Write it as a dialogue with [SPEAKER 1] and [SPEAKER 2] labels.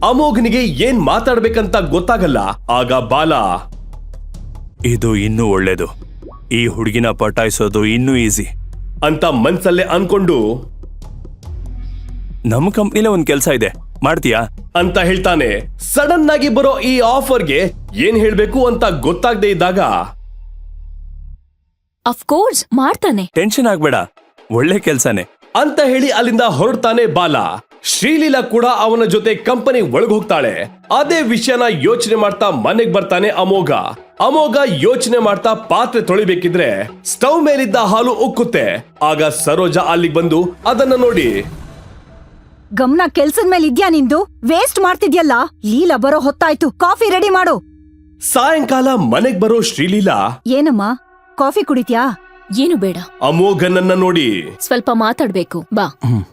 [SPEAKER 1] ಅಮೋಘನಿಗೆ ಏನ್ ಮಾತಾಡ್ಬೇಕಂತ ಗೊತ್ತಾಗಲ್ಲ. ಆಗ ಬಾಲ,
[SPEAKER 2] ಇದು ಇನ್ನೂ ಒಳ್ಳೇದು, ಈ ಹುಡುಗಿನ ಪಟಾಯಿಸೋದು ಇನ್ನೂ ಈಸಿ
[SPEAKER 1] ಅಂತ ಮನ್ಸಲ್ಲೇ ಅನ್ಕೊಂಡು
[SPEAKER 2] ನಮ್ಮ ಕಂಪ್ನಿಲೇ ಒಂದ್ ಕೆಲ್ಸ ಇದೆ, ಮಾಡ್ತೀಯಾ
[SPEAKER 1] ಅಂತ ಹೇಳ್ತಾನೆ. ಸಡನ್ ಆಗಿ ಬರೋ ಈ ಆಫರ್ಗೆ ಏನ್ ಹೇಳ್ಬೇಕು ಅಂತ ಗೊತ್ತಾಗದೆ ಇದ್ದಾಗ,
[SPEAKER 3] ಅಫ್ಕೋರ್ಸ್ ಮಾಡ್ತಾನೆ,
[SPEAKER 2] ಟೆನ್ಷನ್ ಆಗ್ಬೇಡ, ಒಳ್ಳೆ ಕೆಲ್ಸನೇ
[SPEAKER 1] ಅಂತ ಹೇಳಿ ಅಲ್ಲಿಂದ ಹೊರಡ್ತಾನೆ ಬಾಲ. ಶ್ರೀಲೀಲಾ ಕೂಡ ಅವನ ಜೊತೆ ಕಂಪನಿ ಒಳಗ್ ಹೋಗ್ತಾಳೆ. ಅದೇ ವಿಷಯನ ಯೋಚನೆ ಮಾಡ್ತಾ ಮನೆಗ್ ಬರ್ತಾನೆ ಅಮೋಘ. ಅಮೋಘ ಯೋಚನೆ ಮಾಡ್ತಾ ಪಾತ್ರೆ ತೊಳಿಬೇಕಿದ್ರೆ ಸ್ಟವ್ ಮೇಲಿದ್ದ ಹಾಲು ಉಕ್ಕುತ್ತೆ. ಆಗ ಸರೋಜಾ ಅಲ್ಲಿಗೆ ಬಂದು ಅದನ್ನ ನೋಡಿ,
[SPEAKER 4] ಗಮನ ಕೆಲ್ಸದ ಮೇಲೆ ಇದ್ಯಾ ನಿಂದು? ವೇಸ್ಟ್ ಮಾಡ್ತಿದ್ಯಲ್ಲ. ಲೀಲಾ ಬರೋ ಹೊತ್ತಾಯ್ತು, ಕಾಫಿ ರೆಡಿ ಮಾಡು.
[SPEAKER 1] ಸಾಯಂಕಾಲ ಮನೆಗ್ ಬರೋ ಶ್ರೀಲೀಲಾ,
[SPEAKER 4] ಏನಮ್ಮ ಕಾಫಿ ಕುಡಿತ್ಯಾ?
[SPEAKER 3] ಏನು ಬೇಡ,
[SPEAKER 1] ಅಮೋಘನನ್ನ ನೋಡಿ,
[SPEAKER 3] ಸ್ವಲ್ಪ ಮಾತಾಡ್ಬೇಕು ಬಾ.